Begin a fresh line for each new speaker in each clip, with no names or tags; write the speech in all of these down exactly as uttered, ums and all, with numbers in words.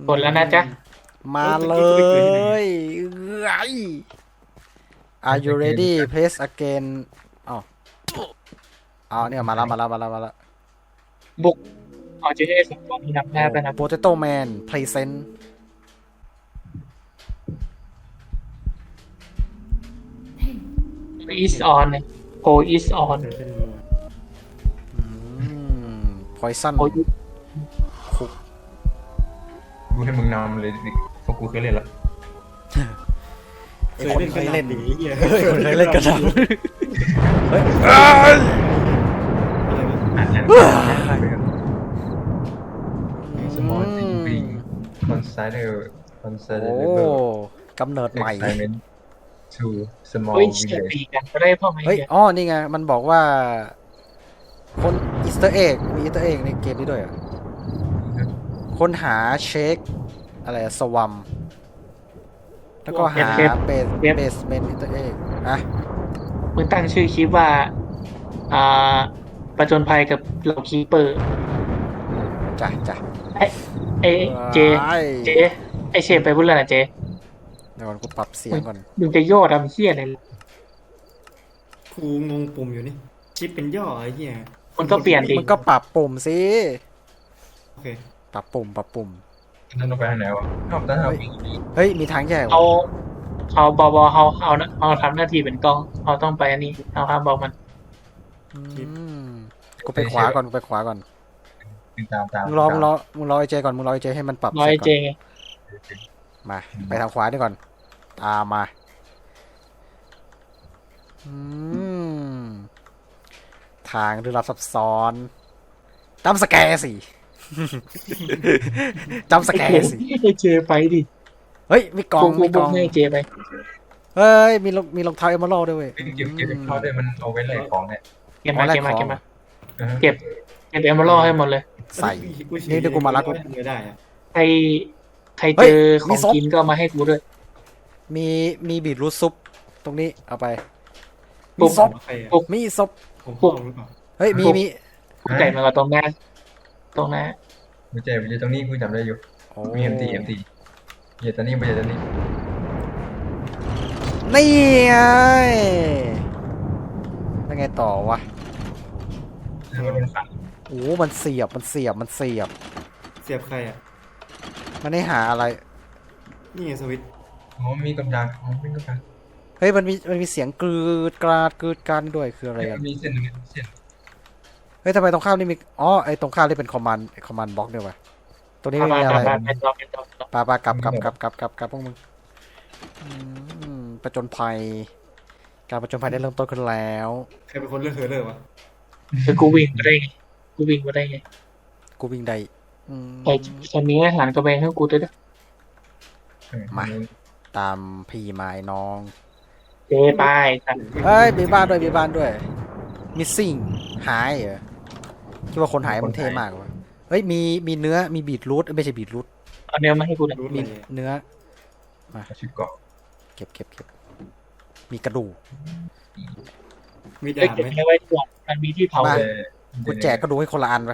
กดแล้วนะจ๊ะ
มาเลยไอ้ Are you ready press again อ้าวอ้าวเนี่ยมาแล้วมาแล้วมาแล้วมาแล้ว
บุกเอาเจเอสองตัวนี้นับหน้าไปนะ
Potato Man present
is on เนี่ยโพ is on
อืม Poison
โพ
กูให้มึงนำเลยดิเพราะกูเคยเล่นแล้ว
เคยเล่นเคยเล่นเฮ้ยเคยเล่นกันแล้วเฮ้ย
อ่านอ่านสมอลซิงบิงคอนไซเดอร์คอนไซเดอ
โอ้
ร์
กำเนิดใหม่
excitement to small
เฮ้ยเชีย
village
ตีกันก็ได้พ่อไหม
เฮ้ย
เนี่ย
อ๋อ นี่ไง มันบอกว่า คนอีสเตอร์เอ็กมีอีสเตอร์เอ็กในเกมนี้ด้วยอ่ะ ค้นหาเช็ค อะไรสวัมแล้วก็หาเบสเบสเมนอีสเตอร์เอ็กอะ
มึงตั้งชื่อคลิปว่าอ่าประจนภัยกับเหล่าคีเปอร์
จ้ะจ้ะ
ไอ้ไอ้เจเจไอเชฟไปพูดแล้วนะเจ
เดี๋ยวก่อนกูปรับเสียงก่อน
มึงจะย่อทำเชี่ยอะไร
กูงงปุ่มอยู่นี่ชิปเป็นย่อไอ้เหี้ย
มึงก็เปลี่ยนดิ
มันก็ปรับปุ่มสิ
โอเค
ปรับปุ่ม ปรับปุ่ม
นั่นต้องไปทางไหนวะนอกจากเราวิ่ง
เฮ้ย มีทางแยก
เขาเขาบอบอเขาเอาเอาทำหน้าที่เป็นกล้องเขาต้องไปอันนี้เอาครับบอกมัน
อืมกูไปขวาก่อน กูไปขวาก่อน
วิ่งตามตาม
มึงรอ มึงรอ มึงรอไอเจก่อน มึงรอไอเจให้มันปรับ
ร้อย
เสร็จก่
เจ
อน
ไง
มา ไปทางขวาดีก่อน ตามมา อืม ทางดูลับซับซ้อนจำสแกร์สิ จำสแกร์สิ
ไอเจไปดิ
เฮ้ย มีกล่อง
บุกบุ
มี
ก
ก
บุ
ล่
ก
อง
ให้เจไป
เฮ้ย มีรองมีรองเท้าเอมเมอรัลด์ด้วยเว้ย
เก็บเก็บเก็บเข้าด้วยมันเอาไว้แลกของเนี่ย
เก็บมา
อ๋อแลก
เก็บมา
ของ
เก็บมา
อือฮะ
เก็บเก็บเอมเมอรัลให้หมดเลย
ใส่
กูฉี
นี่เดี๋ยวกูมารับกู
ไม่ได้อะ
ใครใคร
เฮ้
เจ
ย
อข
มี
อง
ซบ
กินก็เอามาให้กูด้วย
มีมีบีทรูทซุปตรงนี้เอาไป
ปุ๊
มี
บ
ซบ
ใครอะ
ปุ๊บ
มีซบ
ผมพ่อหรือเปล่า
เฮ้ย มีมี
กูไก่มากับตรงหน้าตรงหน้า
ไม่ใช่ไม่ใช่ตรงนี้กูจำได้อยู่
โอ้
มี เอ็ม ที เอ็ม ที อย่าตอนนี้ไม่ใช่ตอนนี้
นี่ไงแล้วไงต่อวะ
มันเป็นฝั่ง
โอ้มันเสียบ มันเสียบ มันเสียบ
เสียบใครอ่ะ
มันให้หาอะไร
นี่ไงสวิตช์
อ๋อมีกำลังอ๋อมีกำลัง
เฮ้ย มันมี มันมีเสียงกรืดกราดกรืดกรานด้วย คืออะไรกัน
มีเส้นตรงนี้เส้น
เฮ้ยทำไมตรงข้ามนี่มี อ๋อ ไอ้ตรงข้ามนี่เป็นคอมมานด์คอมมานด์บล็อกด้วยวะตัวนี้
ปา
ไม่
ปา
มีอะไร
ปาเป็นต่อเป็นต่อเป็นต่อ
ปาปากลับกลับกลับกลับกลับกลับพวกมึงอืมประจนภัย การประจนภัยได้เริ่มต้นขึ้นแล้ว
ใครเป็นคนเลือกเธอเลยวะ
คือกูวิ่งมาได้ไงกูวิ่งมาได้ไง
กูวิ่งได้อืม
ไอ้ตอนนี้อาหารกระเบงให้กูด้วยนะ
มา ตามพี่ไม้น้อง
เจไปสัตว์
เฮ้ย มีบ้านด้วย มีบ้านด้วย missing หายเหรอคิดว่าคนหายมันเท่มากวะเฮ้ย มี มีเนื้อ มีบีทรูทไม่ใช่บีทรูท
เอาเนื้อมาให้กูหน่อย
รู้
มี
เลย
เนื้อ
ชื่อเกาะ
เก็บเก็บเก็บมีกระดูก
มี
เอ้
ดาย บ
เก็บ
ไหม
เนื้อไว้ก่อนมันมีที่เผา
มา
แต่
กูแจกกระดูกให้คนละอันไป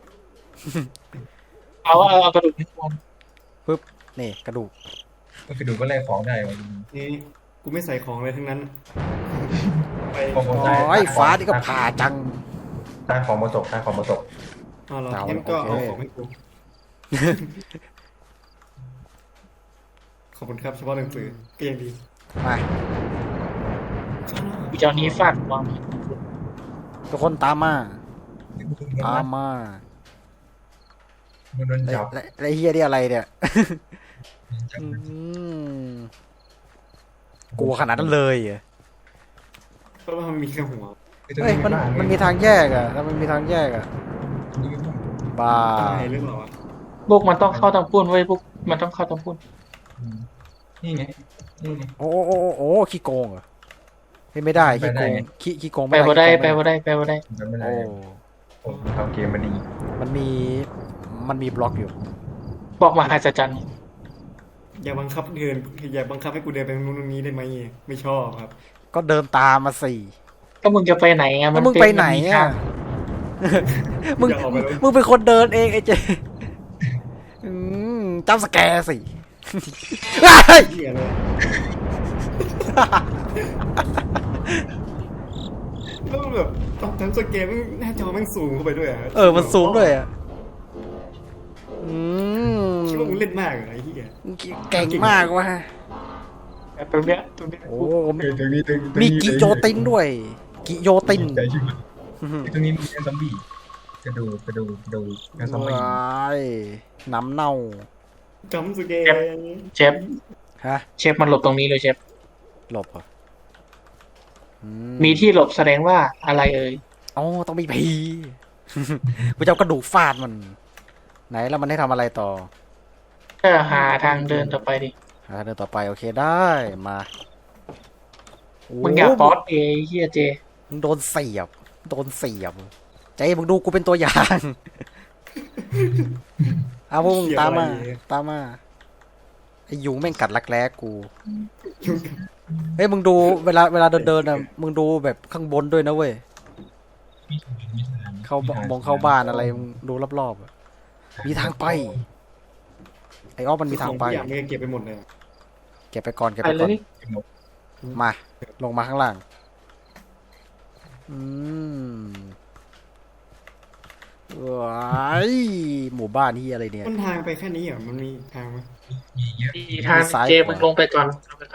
เอาเอาเอากระดูกให้กู
ปึ๊บ นี่กระดูก
ก็คือดูก็แลกของได้วะ
นี่กูไม่ใส่ของเลยทั้งนั้นไป
ของ
โอ้ยฟ้านี่ก็ผ่าจัง
ใต้ของมาตกใต้ของมาตก
อ๋อเหรอ
เอา
งั้นก็
โอ
เอา
เค
ของให้กูขอบคุณครับเฉพาะหนังสือก็ยังดี
มา
กูจะเอานี้ฟาดวาง
ทุกคนตามมา ตามมา
มันโดน
ไอ้
จับ
ไอ้ไอ้เฮียนี่อะไรเนี่ย
จับ
อืมกลัวขนาดนั้นเลยเหรอ
เพราะว่ามันมีแค่หัว
เฮ้ย มัน มันมีทางแยกอะแล้วมันมีทางแยกอะบ้า
ตายหรือเปล่าวะ
พวกมันต้องเข้าทางปุ้นไว้ยพวกมันต้องเข้าทางปุ้น
นี่ไงนี่ไง
โอ้โอ้โอ้โอ้ขี้โกงเหรอเฮ้ยไม่ได้ ขี้
ไปได้
โกง
ไง
ขี้ขี้โกง
ไปบ่ได้
ขี้
ไป
โกง
บ่ได้ไปบ่ได้
จำไม่ได้
โอ้
ผมทำเกมมาดี
มันมี มันมีบล็อกอยู่
บอกมหัศจรรย์
อย่าบังคับเดินอย่าบังคับให้กูเดินไปตรงนู้นตรงนี้ได้ไหมไม่ชอบครับ
ก็เดินตามมาสิ
ก็มึงจะไปไหนอ่ะ
แล้วมึงไปไหน
มัมี
อ่ะ
ทาง
มึง
อย่าออกไปเลย
มึงเป็นคนเดินเองไอ้เจอืมจ้าสแกร์สิ เฮ้ย
เหี้ยเลยแล้วมันแบบตอนทำสเกมมันหน้าจอแม่งสูงเข้าไปด้วยอะ
เออมันสูงด้วยอ่ะอืม
คิดว่ามึงเล่นมากเหรอไอ้เหี้ย
เก่งมากว่ะ
ตรงเนี้ยตรงเนี้ย
โอ้
เออตรงนี้ตรงตรง
มี
นี้
กิโยตินด้วย กิโยติน
ใจใช่ไหมตรงนี้มีซอมบี้กระดูกกระดูกกระดูกกระซอมบี้
ว้ายน้ำเน่า
จำสเกม
เชฟ
ฮะ
เชฟมันหลบตรงนี้เลยเชฟ
หลบเหรออื
มีที่หลบแสดงว่าอะไรเอ่ย
อ๋อต้องมีผี กูจะเอากระดูกฟาดมัน ไหนแล้วมันให้ทำอะไรต่อ
ก็หาทางเดินต่อไปดิ
อ่าเดินต่อไปโอเคได้มาโ
มึงอย่าป๊อตเอเฮียเจ
มึงโดนเสียบ โดนเสียบใจมึงดูกูเป็นตัวอย่าง เอาพวกมึงตามมา ตามมาไอ้ยุงแม่งกัดรักแร้กู
ยุ่ง
เฮ้ยมึงดูเวลาเวลาเดินเดินอ่ะมึงดูแบบข้างบนด้วยนะเว้ย เข้าบ้านมองเข้าบ้านอะไรมึงดูรอบๆอะมีทางไป ไอ้อ้อมันมีทางไป
ทุกอย่างไม่เก็บไปหมดเลยอะ
เก็บไปก่อนเก็บ
ไป
ไป
เล
ก่อย น
นี่
มา ลงมาข้างล่าง อืมว้ายหมู่บ้านที่อะไรเนี่ย
มันทางไปแค่นี้เหรอมันมีทางไหม
มีเยอะ
มีทาง
ซ้าย
เจ
ขวามึ
มึงลงไปก่อนลงไปก่อน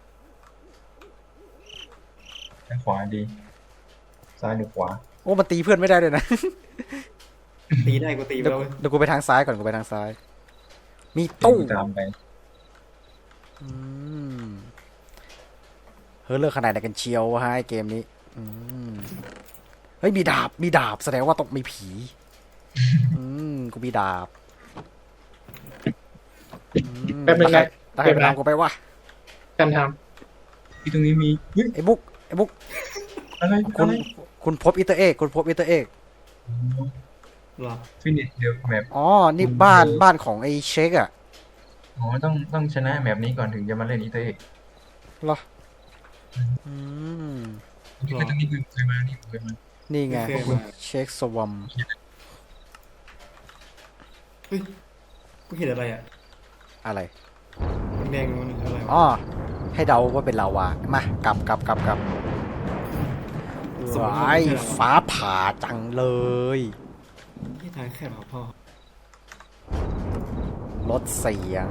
ทางขวาดีซ้ายหรือขวา
โอ้มันตีเพื่อนไม่ได้เลยนะ
ตีได้กูตีไป
เดี๋ยว
แล้วเว้ย
เดี๋ยวกูไปทางซ้ายก่อนกูไปทางซ้าย มีตู้
ตามไป
อืมเฮ้ยเลือกขนาดไหนกันเชียววะฮะไอ้เกมนี้ อืมเฮ้ยมีดาบ มีดาบ แสดงว่าต้องมีผี อืมกูมีดาบอืม
แป๊บนึงนะ
ตาใครไปทำกูไปวะ
กันท
ที่ตรงนี้มีเฮ้ย
ไอ้บุ๊กไอ้บุ๊ก
อะไร
คุ
อะ
ณ
ไร
คุณพบอิตาเอกคุณพบอิตาเอก
เหรอ
ฟินิชเดี๋ยวแมป
อ๋อ นี่บ้านบ้านของไอ้เชคอะ
อ๋อต้องต้องชนะแมปนี้ก่อนถึงจะมาเล่นอีเตอร์เอก
เหรอ อืม
นี่คือตรงนี้คือเคยมานี่เคยมา
นี่ไง
ไม่เคย
พวก
มา
เชคสวัม
เฮ้ยกูเห็นอะไรอ่ะ
อะไร
แดงๆมันอะไรวะ
อ๋อ ให้เดาว่าเป็นลาวา มากลับกลับกลับกลับว้ายฟ้าผ่าจังเลย
ที่ทางแคบเหรอพ่อ
ลดเสียง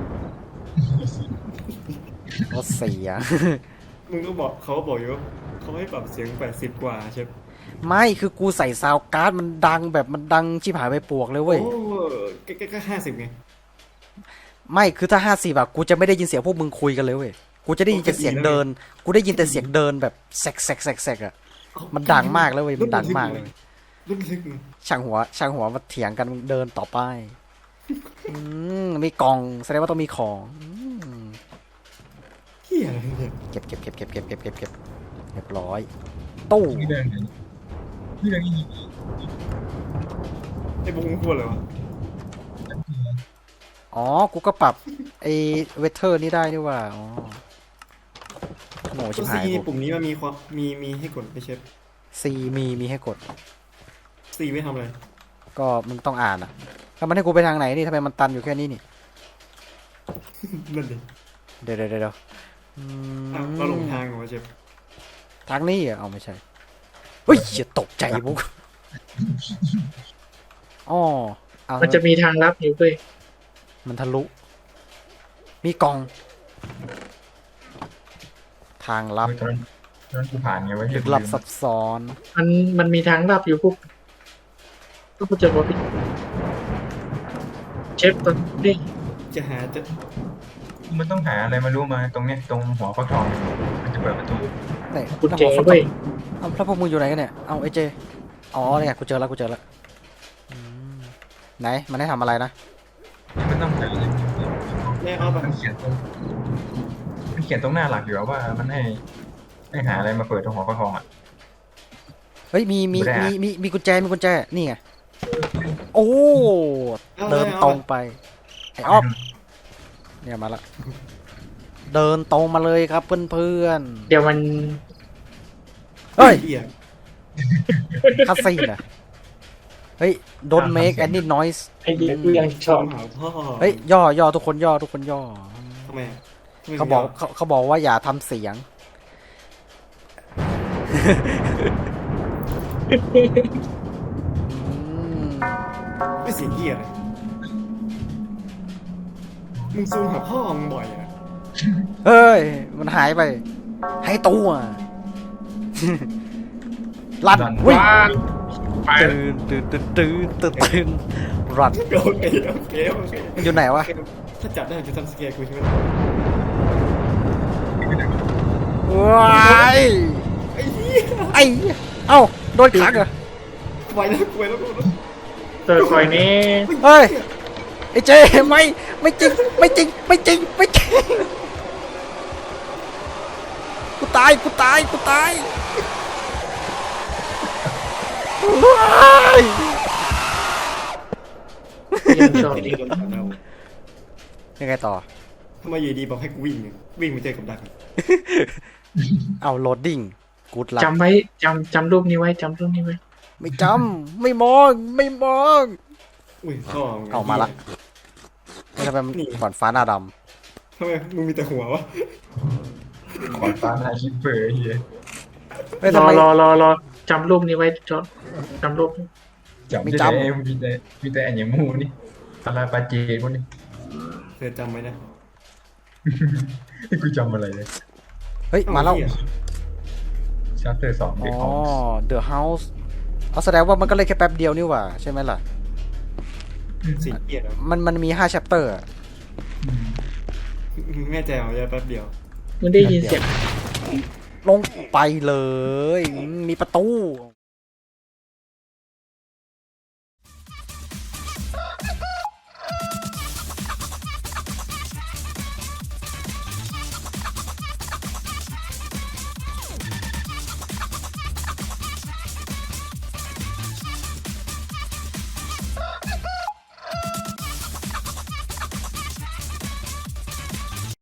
ลดเสียง
มึงก็บอกเขาก็บอกอยู่ว่าเขาให้ปรับเสียงแปดสิบกว่าใช่ไหม
ไม่คือกูใส่ซาวด์การ์ดมันดังแบบมันดังชิบหายไปปวกเลยเว้ย
โอ้ก็ก็ก็ห้าสิบไง
ไม่คือถ้าห้าสิบแบบกูจะไม่ได้ยินเสียงพวกมึงคุยกันเลยเว้ย กูจะได้ยินแต่เสียงเดิน กูได้ยินแต่เสียงเดินแบบแซกแซกแซกแซกอะมันดังมากเลยเว้ย มันดังมากเลย
รุ่นลึกเลย
ช่างหัว ช่างหัวมาเถียงกันเดินต่อไป อืมมีกล่องแสดงว่าต้องมีของอืม
เฮียอะไรเนี่ย
เก็บเก็บเก็บเก็บเก็บเก็บเก็บเก็บเรียบร้อย ตู้
นี่เดินไหนนี่เดินนี่
ไอ้บุ้งพูดอะไรวะ
อ๋อ กูก็ปรับไอ้เวเทอร์นี่ได้นี่ว่า อ๋อโหชิ
ตัว
บ
ซี
หาย
ใน
กู
ปุ่มนี้มันมีความมีมีให้กดไม่ใช่
ซีมีมีให้กด
ซีไม่ทำอะไร
ก็มึงต้องอ่านอ่ะแล้วมันให้กูไปทางไหนนี่ทำไมมันตันอยู่แค่นี้นี่
นั่นดิ
เดี๋ยวเดี๋ยวเดี๋ยวอืม
อ้าวเราหลงทางเหรอวะเชฟ
ทางนี้เหรอ่ะเอาไม่ใช่ เฮ้ยเหี้ยตกใจบุ๊กอ๋อเอา
ำมันจะมีทางลับอยู่เว้ย
มันทะลุ มีกล่อง ทางลับ
ตอนตอนกูผ่านไงวะ
ลึกลับซับซ้อน
มันมันมีทางลับอยู่พวกก็กูเจอว่าพี่เชฟตอนนี้
จะหาจะ
มันต้องหาอะไรมารู้มาตรงเนี้ยตรงหัวฟักทองมันจะเปิดประตู
ไหน
กู
แล้ว
เจอ
หัวฟักท
เว้
อย งเอาแล้วพวกมึงอยู่ไหนกันเนี่ย เอาไอเจ อ๋อเนี่ยกูเจอแล้วกูเจอแล้วอืมไหน มันให้ทำอะไรนะ
นี่มันต้องหาอะไร
แม่เอาไป
มันเขียนตรงมันเขียนตรงหน้าหลักอยู่ว่ามันให้ให้หาอะไรมาเปิดตรงหัวฟักทองอ่ะ
เฮ้ยมีมี
ไม่ได้
มี
อะ
มีมีกุญแจมีกุญแจนี่ไงโอ้เดินตรงไปไอ้ออฟเนี่ยมาละเดินตรงมาเลยครับเพื่อน
เดี๋ยวมัน
ๆเฮ้ย
เฮีย
คาสิโนนะเฮ้ยฮ้ย don't make any noise
ไอ้เด็กกูยังชอบ
หาพ่อ
เฮ้ย ย่อย่อทุกคนย่อทุกคนย่อ
ทำไมอะทำไม
เขาบอกเขาเขาบอกว่าอย่าทำเสียง อืม
ไม่เสียเกียร์เลยมึงซูมหาพ่อมึงบ่อยอะ
เฮ้ย มันหายไป ให้ตัว ลันวิ่ง
ไป
ตื่นตื่นตื่นตื่นตื่นตื่นรัน
โอเคโอเคโอเค
มันอยู่ไหนวะ
ถ้าจับได้จะทำสเกลกูใช่ไหม
ว้าย
ไอ้เหี้ย
ไอ้เอ้าโดนขังเหรอ
ไวแล้วไวแล้วไวแล้ว
เติร์ดคอยนี้
เฮ้ย ไอ้เจไม่ไม่จริงไม่จริงไม่จริงไม่จริงกูตายกูตายกูตายว้าย
ยังชอบ
ไอ้
อี
เด็
ก
กโดนขังเรา
ยังไงต่อ
ทำไมอยู่ดีบอกให้กูวิ่งเนี่ยวิ่งมาเจอกับดักอะ
เอาโหลดดิ้งกูดลับ
จำไว้จำจำรูปนี้ไว้จำรูปนี้ไว้
ไม่จำไม่มองไม่มอง
อุ้ยพ่อมึง
เอามาละไม่ทำไมมันก่อนฟ้าหน้าด
ทำไมมึงมีแต่หัววะ
ขอนฟ้าหน้าคิปเปอร์ไอ้เฮีย
ำไม่
ร
ทำ
อ
ไม
รอรอรอจำรูปนี้ไว้จอจำรูปนี้
จับ
ไม่
ไม่
จำ
จำมีแต่มีแต่อันยมูนี่ปลาปลาเจดพวกนี้
เธอจำไว้นะ
กูจำอะไรเลย
เฮ้ยมาแล้ว
เหี้ย
ชาร์เตอร์สอง
อ๋
เด็ก
อ
ของ
The House เอาแสดงว่ามันก็เลยแค่แป๊บเดียวนี่หว่าใช่ไหมล่ะ
เสียเกียร์เหรอ
มันมันมีห้า chapter อะ
มึงแน่ใจเหรอจะแป๊บเดียว
มึงได้ยินเสียง
ลงไปเลยมีประตู